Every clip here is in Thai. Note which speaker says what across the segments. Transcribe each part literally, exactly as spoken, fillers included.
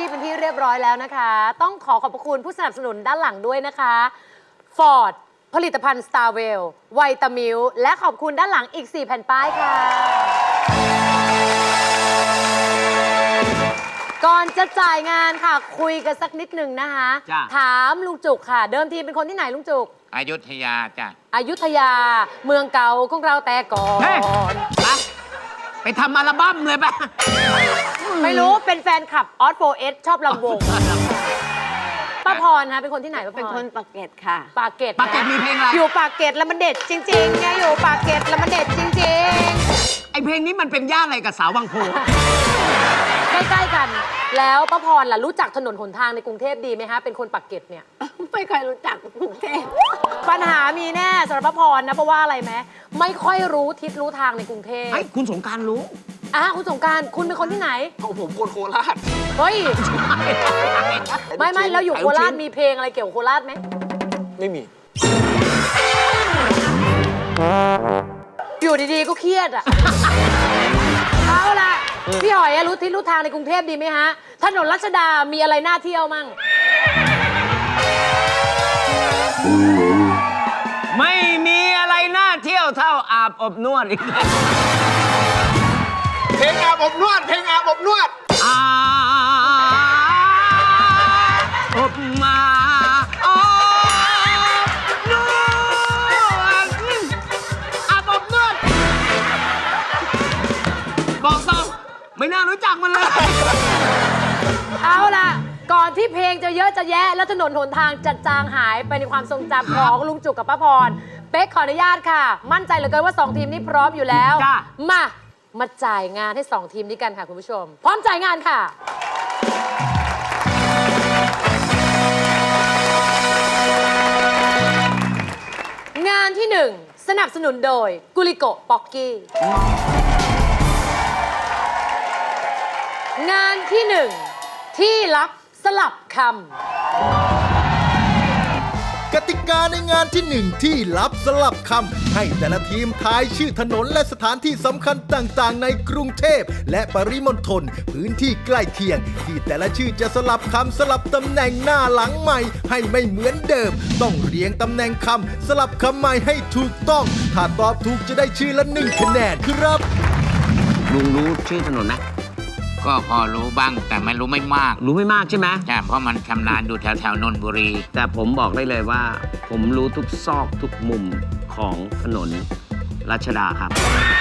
Speaker 1: เป็นที่เรียบร้อยแล้วนะคะ ต้องขอขอบพระคุณผู้สนับสนุนด้านหลังด้วยนะคะ Ford ผลิตภัณฑ์ Starwell ไวตามิลและขอบคุณด้านหลังอีก สี่ แผ่นป้ายค่ะ ก่อนจะจ่ายงานค่ะคุยกันสักนิดหนึ่งนะคะ ถามลุงจุกค่ะ เดิมทีเป็นคนที่ไหนลุงจุก
Speaker 2: อยุธยาจ้ะ
Speaker 1: อยุธยาเมืองเก่าของเราแต่ก่อน
Speaker 3: ไปไปทำอัลบั้มเลยปะ
Speaker 1: ไม่รู้เป็นแฟนคลับออสโฟเอสชอบลำวงป้าพรนะเป็นคนที่ไหนป้าพร
Speaker 4: เป็นคนปากเกร็ดค่ะ
Speaker 1: ปากเกร็ด
Speaker 3: ปากเกร็ดมีเพลงอะไร
Speaker 1: อยู่ปากเกร็ดแล้วมันเด็ดจริงๆไงอยู่ปากเกร็ดแล้วมันเด็ดจริง
Speaker 3: ไอเพลงนี้มันเป็นย่านอะไรกับสาววังโพ
Speaker 1: ๆใกล้ๆกัน แล้วป้าพรล่ะรู้จักถนนหนทางในกรุงเทพดีไหมฮะเป็นคนปากเกร็ดเนี่ย
Speaker 4: ไม่เคยรู้จักกรุงเทพ
Speaker 1: ปัญหามีแน่สำหรับป้าพรนะเพราะว่าอะไรไหมไม่ค่อยรู้ทิศรู้ทางในกรุงเทพ
Speaker 3: ไอ้ยคุณสงกรารรู้
Speaker 1: อ่ะคุณสงกรารคุณเป็นคนที่ไหน
Speaker 5: ของผมคนโคราช
Speaker 1: เฮ้ยไม่ไม่แล้วอยู่โคราชมีเพลงอะไรเกี่ยวกับโคราชไหม
Speaker 5: ไม่มี
Speaker 1: อยู่ดีๆ ก็เครียดอ่ะ เอาล่ะ พี่หอยอะรู้ทิศรู้ทางในกรุงเทพดีไหมฮะ ถนนรัชดา มีอะไรน่าเที่ยวมั่ง
Speaker 3: ไม่มีอะไรน่าเที่ยวเท่าอาบอบนวดอีก
Speaker 5: เพลงอาบอบนวด เพลงอาบอบนวด
Speaker 3: อาบอบมาอบนวดอาบอบนวดบอกตรงไม่น่ารู้จักมันเลย
Speaker 1: เอาล่ะ ก่อนที่เพลงจะเยอะจะแยะ แล้วถนนหนทางจะจางหายไปในความทรงจำของลุงจุกกับป้าพร เป๊กขออนุญาตค่ะ มั่นใจเหลือเกินว่าสองทีมนี้พร้อมอยู่แล้ว
Speaker 3: จ้ะ
Speaker 1: มา มาจ่ายงานให้สองทีมนี้กันค่ะคุณผู้ชม พร้อมจ่ายงานค่ะ งานที่หนึ่งสนับสนุนโดยกุลิโกป๊อกกี้ งานที่หนึ่งที่ลับสลับคำ
Speaker 6: กติกาในงานที่หนึ่งที่ลับสลับคำให้แต่ละทีมทายชื่อถนนและสถานที่สำคัญต่างๆ ในกรุงเทพและปริมณฑลพื้นที่ใกล้เคียง ที่แต่ละชื่อจะสลับคำสลับตำแหน่งหน้าหลังใหม่ให้ไม่เหมือนเดิม ต้องเรียงตำแหน่งคำสลับคำใหม่ให้ถูกต้อง ถ้าตอบถูกจะได้ชื่อละหนึ่งคะแนนครับ
Speaker 3: ลุงรู้ชื่อถนนไหม
Speaker 2: ก็พอรู้บ้างแต่ไม่รู้ไม่มาก
Speaker 3: รู้ไม่มากใช่ไหม
Speaker 2: ใช่เพราะมันชำนาญอยู่แถวแถวนนทบุรี
Speaker 3: แต่ผมบอกได้เลยว่า ผมรู้ทุกซอกทุกมุมของถนนรัชดาครับ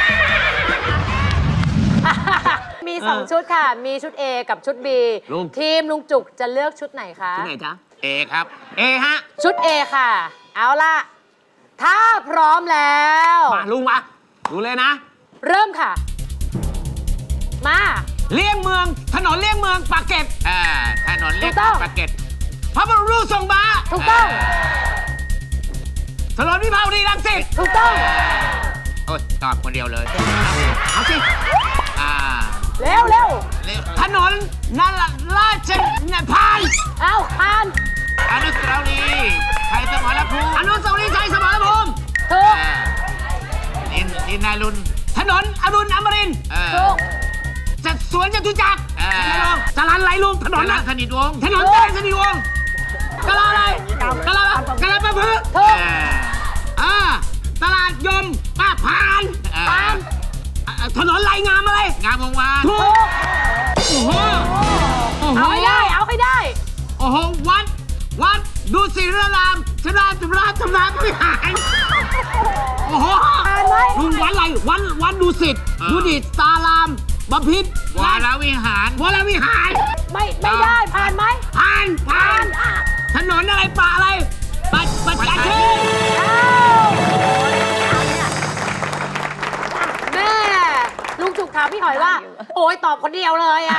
Speaker 1: มีสองชุดค่ะ มีชุด A กับชุด B
Speaker 3: ลุง
Speaker 1: ทีมลุงจุกจะเลือกชุดไหนคะ
Speaker 3: ที่ไหนจ๊ะ
Speaker 2: เอครับ
Speaker 3: เอฮะ
Speaker 1: ชุด A ค่ะ เอาล่ะ ถ้าพร้อมแล้ว
Speaker 3: มาลุงมาดูเลยนะ
Speaker 1: เริ่มค่ะ มา
Speaker 3: เลี่ยงเมืองถนนเลี่ยงเมืองปากเกร็ด
Speaker 2: อ่าถนนเล็ก
Speaker 1: ถูกต้อง
Speaker 2: ปากเกร็ด
Speaker 3: พระบรมรูปทรงม้า
Speaker 1: ถูกต้อง
Speaker 3: ถนนวิภาวดีรังสิต
Speaker 1: ถูกต้อง
Speaker 2: โอ้ยตอบคนเดียวเลย
Speaker 3: เอาสิ
Speaker 2: อ่า
Speaker 1: เร็วเร็ว
Speaker 2: เร็ว
Speaker 3: ถนนนาราชนพาน
Speaker 1: เอาคาน
Speaker 2: อนุสาวรีย์ไทยสมรภูมิ
Speaker 3: อนุสาวรีย์ชัยสมรภูมิ
Speaker 1: ถูก
Speaker 2: อ่าดินดินนารุน
Speaker 3: ถนนอรุณอมรินทร์
Speaker 2: เออ
Speaker 1: ถูก
Speaker 3: จะสวนจตุจักร
Speaker 2: เออ
Speaker 3: จรัญไหลลุงถนน
Speaker 2: รั
Speaker 3: นะ
Speaker 2: สนิทวงศ์
Speaker 3: ถนนจรัญสนิทวงศ์กะลาอะไรกะลากะลาประพฤกษ์
Speaker 1: ถูก
Speaker 2: เออ
Speaker 3: อ่าตลาดยมป้าพาน
Speaker 2: เออ
Speaker 1: คาน
Speaker 3: อ่าถนนไหลงามอะไร
Speaker 2: งามวงวาน
Speaker 3: ถูกโอ้โหโอ้โห
Speaker 1: เอาให้ได้ เอาให้ได้
Speaker 3: โอ้โหวัดวัดดูศิรารามชราจุฬาธรรมวิหารโอ้โห
Speaker 1: ผ่านไหม
Speaker 3: ลุงวัดอะไรวัดวัดดูสิตดูดิตตารามบพิตร
Speaker 2: วรวิหาร
Speaker 3: วรวิหาร
Speaker 1: ไม่ ไม่ได้ ผ่านไหม
Speaker 3: ผ่านผ่าน
Speaker 1: อ่ะ
Speaker 3: ถนนอะไรป่าอะไรปัดปัดกาเทศ
Speaker 1: เอาแม่ ลุงจุกถามพี่หอยว่า โอ้ยตอบคนเดียวเลยอ่ะ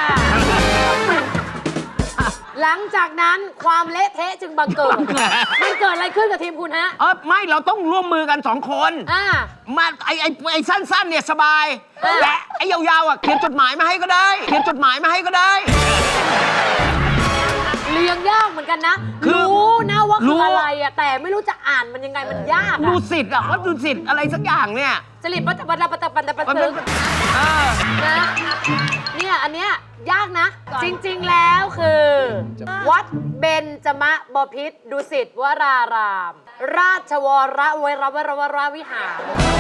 Speaker 1: หลังจากนั้นความเละเทะจึงบังเกิด มันเกิดอะไรขึ้นกับทีมคุณฮะ
Speaker 3: เออไม่เราต้องร่วมมือกันสองคน
Speaker 1: อ่า
Speaker 3: มาไอไอไอสั้นๆเนี่ยสบาย
Speaker 1: เออ
Speaker 3: และไอยาวๆอ่ะเขียนจดหมายมาให้ก็ได้ เขียนจดหมายมาให้ก็ได้
Speaker 1: ลเรียงยากเหมือนกันนะ
Speaker 3: คือ
Speaker 1: รู้นะว่า
Speaker 3: รู้
Speaker 1: คืออะไรอะแต่ไม่รู้จะอ่านมันยังไงมันยาก
Speaker 3: ดู
Speaker 1: อะ
Speaker 3: สิทธิ์อะว่าดูสิทธิ์อะไรสักอย่างเนี่ย
Speaker 1: จริตปัตตปัตตปัตตปัตตปัต
Speaker 3: มัน
Speaker 1: ต
Speaker 3: เป็นเออ
Speaker 1: นะเนี่ยอันเนี้ยยากนะ จริงๆแล้วคือ วัดเบญจมบพิตรดุสิตวราราม ราชวรเวรวรวรวิหาร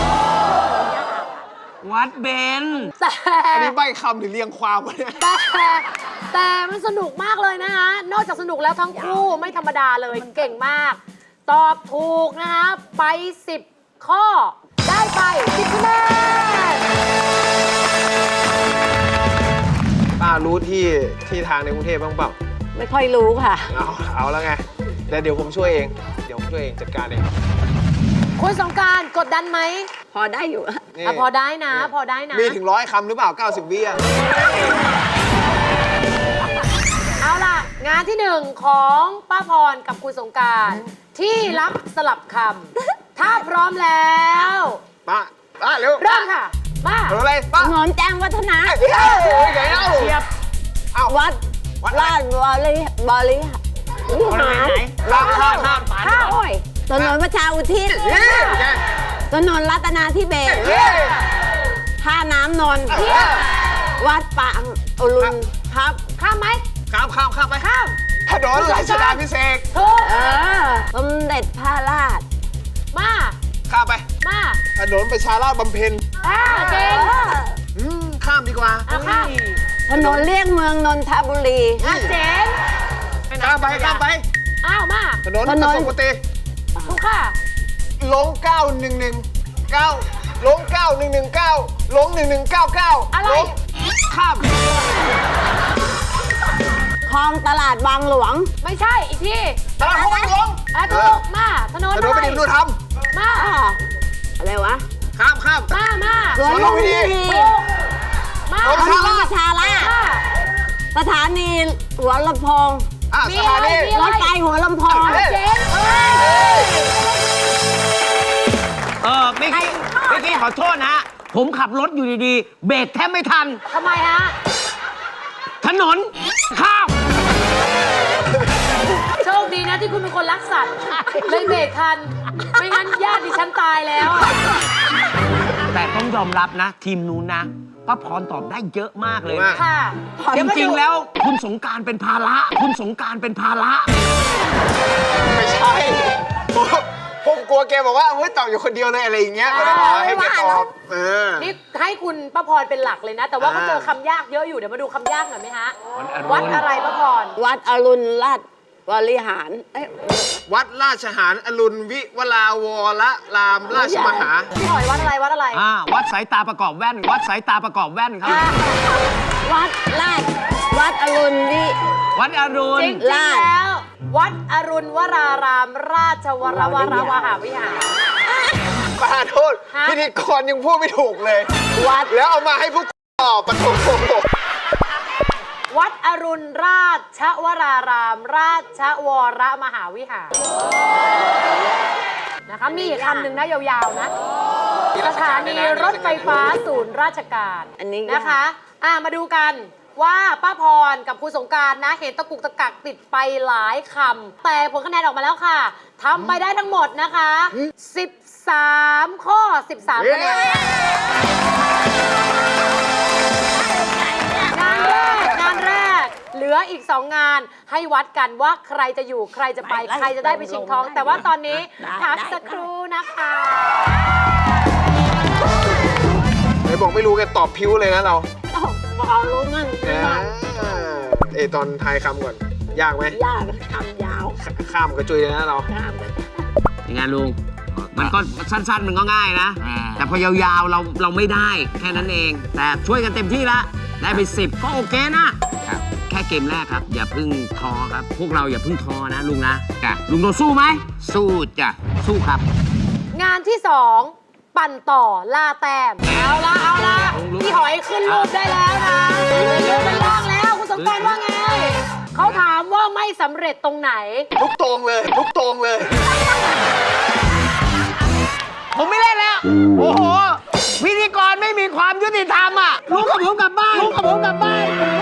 Speaker 3: วัดเบน
Speaker 1: แต่
Speaker 5: อันนี้ใบคำหรือเรียงความวะเนี่ย
Speaker 1: แต่แต่มันสนุกมากเลยนะคะ นอกจากสนุกแล้วทั้งคู่ไม่ธรรมดาเลยเก่งมาก ตอบถูกนะคะไปสิบข้อ ได้ไปสิบคะแนน
Speaker 5: ป้ารู้ที่ที่ทางในกรุงเทพบ้างเปล่า
Speaker 4: ไม่ค่อยรู้ค่ะ
Speaker 5: เอาเอาแล้วไงแต่เดี๋ยวผมช่วยเอง เดี๋ยวผมช่วยเองจัดการเอง
Speaker 1: คุณสงกรารกดดันไหม
Speaker 4: พอได้อยู่อะ
Speaker 5: นี่
Speaker 1: อ่ะพอได้นะ พอได้นะ
Speaker 5: มีถึงร้อยคำหรือเปล่า เก้าสิบ วิอ่ะ
Speaker 1: เอาล่ะ งานที่หนึ่งของป้าพรกับคุณสงกรารที่รับสลับคำ ถ้าพร้อมแล้ว
Speaker 5: ป้า ป้าเร็ว
Speaker 1: เริ่มค่ะ มา
Speaker 5: เร็วอะไรป้า
Speaker 4: ถนนแจ้งวัฒนะ
Speaker 5: เฮ้ยเฮ้ยไงเล่า
Speaker 3: เทียบ
Speaker 5: เอ้า
Speaker 4: วัด
Speaker 5: วัดอะไร
Speaker 4: ราชบริบริวิหาร
Speaker 5: ข้ามข้ามข้าม
Speaker 4: ข้าวโอ้ยถนนประชาอุทิศ
Speaker 5: เฮ้ยไง
Speaker 4: ถนนรัตนาธิเบศร
Speaker 5: เฮ้ย
Speaker 4: ท่าน้ำนนท์
Speaker 5: เฮ้ย
Speaker 4: วัดปางอรุณครับ
Speaker 1: ข้ามไหม
Speaker 5: ข้ามข้ามข้ามไป
Speaker 1: ข้าม
Speaker 5: ถนนรัชดาพิเศษก
Speaker 1: ถูก
Speaker 4: เออสมเด็จพระราช
Speaker 1: มา
Speaker 5: ข้ามไป
Speaker 1: มา
Speaker 5: ถนนประชาราษฎร์บำเพ็ญ
Speaker 1: อ่าเก่ง
Speaker 5: อืมข้ามดีกว่า
Speaker 1: เอาข้าม
Speaker 4: ถนนเลี่ยงเมืองนนทบุรี
Speaker 1: อ่ะเจ๋ง
Speaker 5: ข้ามไปข้ามไป
Speaker 1: อ้าวมา
Speaker 5: ถนน
Speaker 4: ถ
Speaker 5: ก
Speaker 4: น
Speaker 5: ระ
Speaker 4: น
Speaker 5: ทรวงกุฏิ
Speaker 1: ถูกค่ะ
Speaker 5: ลงเก้าหนึ่งหนึ่งเก้าลงเก้าหนึ่งหนึ่งเก้าลงหนึ่งหนึ่งเก้าเก้า
Speaker 1: อะไร
Speaker 5: ลงข้าม
Speaker 4: คลองตลาดบางหลวง
Speaker 1: ไม่ใช่อีกที
Speaker 5: ตลาดพระหลวง
Speaker 1: อ่ะถูกมาถนน
Speaker 5: ถ
Speaker 1: อะ
Speaker 5: นน
Speaker 1: ไร
Speaker 5: ไปดิมดูธรรม
Speaker 1: มา
Speaker 4: อ่าอะไรวะ
Speaker 5: ข้ามข้าม
Speaker 1: มามา
Speaker 4: สวนลุมพินี
Speaker 1: ถูกมา
Speaker 5: ลง
Speaker 4: ถนนประชาราษฎร์
Speaker 1: มา
Speaker 4: สถานีหัวลำโพง
Speaker 5: อ่ะ
Speaker 1: มี
Speaker 5: ส
Speaker 1: อะไร
Speaker 5: ถานี
Speaker 1: มี
Speaker 4: รถไฟหัวลำโพง
Speaker 5: เอ้ย
Speaker 1: เจ๋งเอ้ย
Speaker 3: เออเมื่อกี้เมื่อกี้ขอโทษนะ ผมขับรถอยู่ดีๆ เบรกแทบไม่ทัน
Speaker 1: ทำไมฮะ
Speaker 3: ถนนข้าม
Speaker 1: โชคดีนะที่คุณเป็นคนรักสัตว์เลยเบรกทัน ไม่งั้นญาติดิฉันตายแล้วอะ
Speaker 3: แต่ต้องยอมรับนะ ทีมนู้นนะป้าพรตอบได้เยอะมากเลย
Speaker 5: มาก
Speaker 3: นะ
Speaker 1: ค่ะ
Speaker 3: จ
Speaker 1: เดี๋ยวมา
Speaker 3: ริง
Speaker 1: ดู
Speaker 3: ๆแล้วคุณสงกรารเป็นภาระ คุณสงกรารเป็นภาระ
Speaker 5: ไม่ใช่ผมผมกลัวแกบอกว่าเฮ้ยตอบอยู่คนเดียวเลยอะไรอย่างเงี้ยก็เลยบอกให้แกตอบเออ
Speaker 1: นี่ให้คุณป้าพรเป็นหลักเลยนะ แต่ว่าก็
Speaker 5: อ่า
Speaker 1: เจอคำยากเยอะอยู่ เดี๋ยวมาดูคำยากหน่อยไหมฮะ
Speaker 3: วัดอรุณ
Speaker 1: วัดอะไรป้าพร
Speaker 4: วัดอรุณราชบริหารเอ้ย
Speaker 5: วัดราชหารอรุณวิวลาวรรามราชมหา
Speaker 1: พี่หอยวัดอะไรวัดอะไร
Speaker 3: อ่าวัดสายตาประกอบแว่น วัดสายตาประกอบแว่นครับ
Speaker 1: อ่า
Speaker 4: วัดราชวัดอรุณวิ
Speaker 3: วัดอรุณ
Speaker 1: จริงๆแล้ว วัดอรุณวราราม ราชวรวรวหาวิหาร
Speaker 5: ประธานโทษ
Speaker 1: ฮะ
Speaker 5: พิธีกรยังพูดไม่ถูกเลย
Speaker 4: วัด
Speaker 5: แล้วเอามาให้พวกตอบปะโถ
Speaker 1: วัดอรุณราชวราราม ราชวรมหาวิหารนะคะมีอีกคำหนึ่งนะยาวๆนะ สถานีรถไฟฟ้าศูนย์ราชการ
Speaker 4: อันนี้
Speaker 1: นะคะอ่ะมาดูกันว่าป้าพรกับคุณสงกรารนะ เห็นตะกุกตะกักติดไปหลายคำแต่ผลคะแนนออกมาแล้วค่ะทำไปได้ทั้งหมดนะคะ สิบสาม ข้อ สิบสามคะแนนงานแรกงานแรก เหลืออีกสองงานให้วัดกันว่าใครจะอยู่ใครจะไป ใครจะได้ไปชิงทอง แต่ว่าตอนนี้พักสักครู่นะคะ
Speaker 5: ไหนบอกไม่รู้แกตอบพิ้วเลยนะเรา
Speaker 4: อ้าวพอรู้มั่ง
Speaker 5: เออเอยตอนทายคำก่อน ยากไหม
Speaker 4: ยากคำยาว
Speaker 5: ข้ามกระจุยเลยนะเรา
Speaker 4: ข้ามไป
Speaker 3: ยังไงลุง มันก็สั้นๆ มันก็ง่ายนะ แต่พอยาวๆ เราเราไม่ได้แค่นั้นเอง แต่ช่วยกันเต็มที่ละ ได้ไปสิบก็โอเคนะ แค่เกมแรกครับ อย่าเพึ่งท้อครับ พวกเราอย่าเพึ่งท้อนะลุงนะจ้ะลุงโดสู้ไหม สู้จ้ะ สู้ครับ
Speaker 1: งานที่สองปั่นต่อล่าแต้มเอาละเอาละพี่หอยขึ้นรูปได้แล้วนะขึ้นเป็นล่างแล้วคุณสมกรารว่าไง เขาถามว่าไม่สำเร็จตรงไหน
Speaker 5: ทุกตรงเลย ทุกตรงเลย
Speaker 3: ผมไม่เล่นแล้ว โอ้โห พิธีกรไม่มีความยุติธรรมอ่ะลุงกับผมกลับบ้านลุงกับผมกลับบ้าน